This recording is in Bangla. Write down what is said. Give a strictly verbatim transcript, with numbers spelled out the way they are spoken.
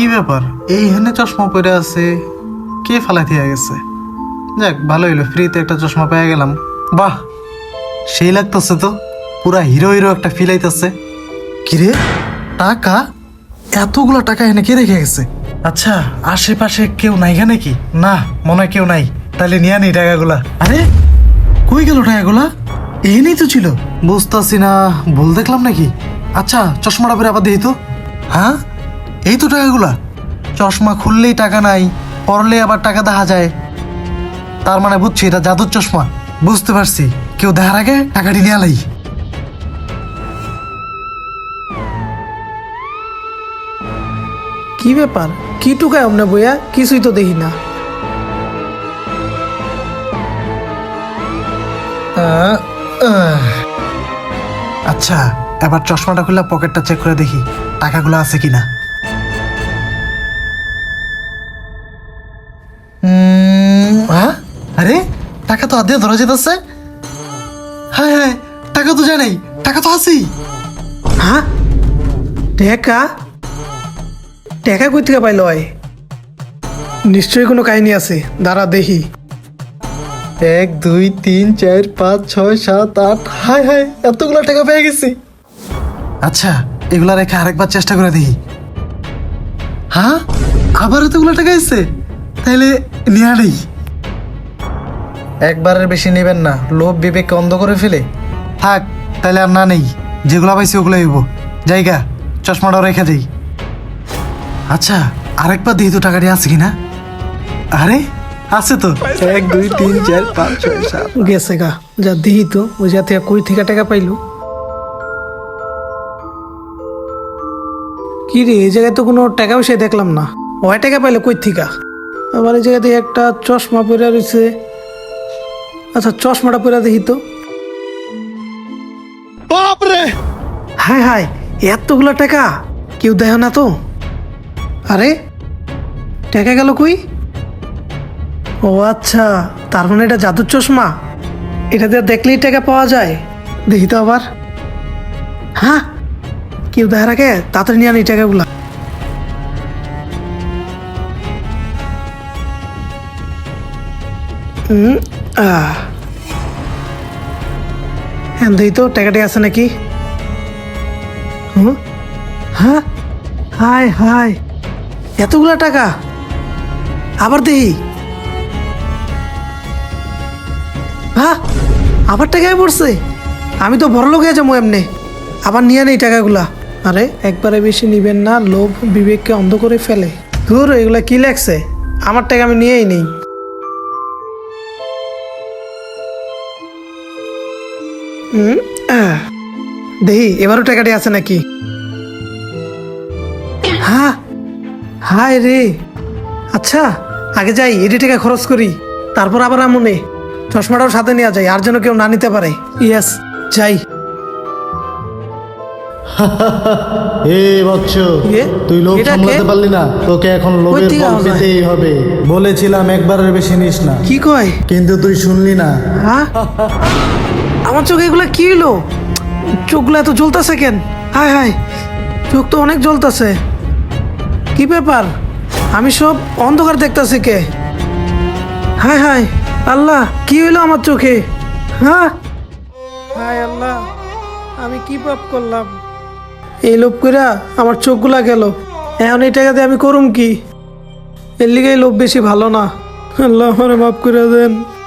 কি ব্যাপার, এইখানে চশমা পরে আছে, কে ফালাই দিয়ে গেছে? যাক, ভালো হইলো, ফ্রিতে একটা চশমা পেয়ে গেলাম। বাহ, সেই লাগতেছে তো, পুরা হিরো হিরো একটা ফিল আইতেছে। কিরে, টাকা? এতগুলো টাকা এনে কে রেখে গেছে? আচ্ছা, আশেপাশে কেউ নাই নাকি? না, মনে হয় কেউ নাই। তাহলে নিয়ে নেই টাকাগুলা। আরে কই গেল টাকাগুলা? এখানেই তো ছিল। বুঝতেছি না, ভুল দেখলাম নাকি? আচ্ছা, চশমাটা পরে আবার দেখি তো। হ্যাঁ, এই তো টাকাগুলা। চশমা খুললেই টাকা নাই, পরলে আবার টাকা দেখা যায়। তার মানে বুঝছি এটা জাদুর চশমা। বুঝতে পারছি, কেউ দেখার আগে টাকাটি নিয়ে আলাই। কি ব্যাপার, কি টুকায় অমনে বইয়া? কিছুই তো দেখি না। আহ, আহ। আচ্ছা, এবার চশমাটা খুলে পকেটটা চেক করে দেখি টাকাগুলো আছে কিনা। উম, হ্যাঁ, আরে টাকা তো আদে ধরা যেতেছে। হ্যাঁ হ্যাঁ, টাকা তো জানাই, টাকা তো আছেই। হ্যাঁ, টেকা টেকা কই থেকে পাইল? হয় নিশ্চয়ই কোনো কাহিনী আছে, দাঁড়া দেখি। এক দুই তিন চার পাঁচ ছয় সাত আট, হায় হায়, এতগুলো টাকা পেয়ে গেছি। আচ্ছা, এগুলা রেখে আরেকবার চেষ্টা করে দেখি। হ্যাঁ, আবার এতগুলো টাকা এসছে, তাইলে নেওয়া নেই। একবারের বেশি নেবেন না, লোভ বিবেককে অন্ধ করে ফেলে। থাক, তাইলে আর না নেই, যেগুলো পাইছি ওগুলো হইব। জায়গা, চশমাটাও রেখে যাই। আচ্ছা, আরেকবার দেখি তো টাকাটি আছে কিনা। আরে আছে তো, এক দুই তিন চার পাঁচ ছয় সাত। গেছে গা, যা দেখি তো ওই যা থেকে কই থেকে টাকা পাইলো। কি রে, এই জায়গায় তো কোনো টাকা পয়সা দেখলাম না। ওই টাকা পাইলো কই থেকে? আবার এই জায়গাতে একটা চশমা পরে রয়েছে। আচ্ছা, চশমাটা পরে দেখি তো। বাপরে, হায় হায়, এতগুলো টাকা কেউ দেয় না তো। আরে টাকা গেল কই? ও আচ্ছা, তার মানে এটা জাদুর চশমা। এটা দিয়ে দেখলেই টাকা পাওয়া যায়। দেখি তো আবার। হ্যাঁ, কেউ দেখা রাখে, তাড়াতাড়ি নিয়ে আনি টাকাগুলা। হুম, আহ হ্যাঁ, দেখি তো টাকাটি আছে নাকি। হুম, হ্যাঁ, হায় হায়, এতগুলা টাকা। আবার দেখি। হ্যাঁ, আবার টাকায় পড়ছে। আমি তো বড় লোক হয়ে যাবো এমনি। আবার নিয়ে নেই টাকাগুলা। আরে একবারে বেশি নিবেন না, লোভ বিবেককে অন্ধ করে ফেলে। ধুর, এগুলা কি লাগছে? আমার টাকা আমি নিয়েই নেই। হুম, আহ, দেখি এবারও টাকাটি আছে নাকি। হ্যাঁ, হায় রে। আচ্ছা, আগে যাই, এটি টাকা খরচ করি, তারপর আবার আমনে চশমাটাও সাথে নেওয়া যায়, আর যেন কেউ না নিতে পারে। ইয়েস, যাই। এ বচ্চ, এ? তুই লোভ এটা কে? সামলাতে পারলি না, তোকে এখন লোভের থেকে ফল আওয়াজ হয়? পেতেই হবে। বলেছিলাম একবারের বেশি নিস না, কি কয়? কিন্তু তুই শুনলি না। হ্যাঁ, আমার চোখে এগুলা কি হলো? চোখগুলো এত জ্বলতেছে কেন? হায় হায়, চোখ তো অনেক জ্বলতেছে। কি ব্যাপার, আমি সব অন্ধকার দেখতেছি কে? হায় হায়, আল্লাহ, কি হইলো আমার চোখে? হ্যাঁ, হায় আল্লাহ, আমি কি পাপ করলাম? এই লোভ কইরা আমার চোখগুলা গেল। এখন এই টাকা দিয়ে আমি করুম কি? এর লিগে এই লোভ বেশি ভালো না। আল্লাহ আমারে মাফ করে দেন।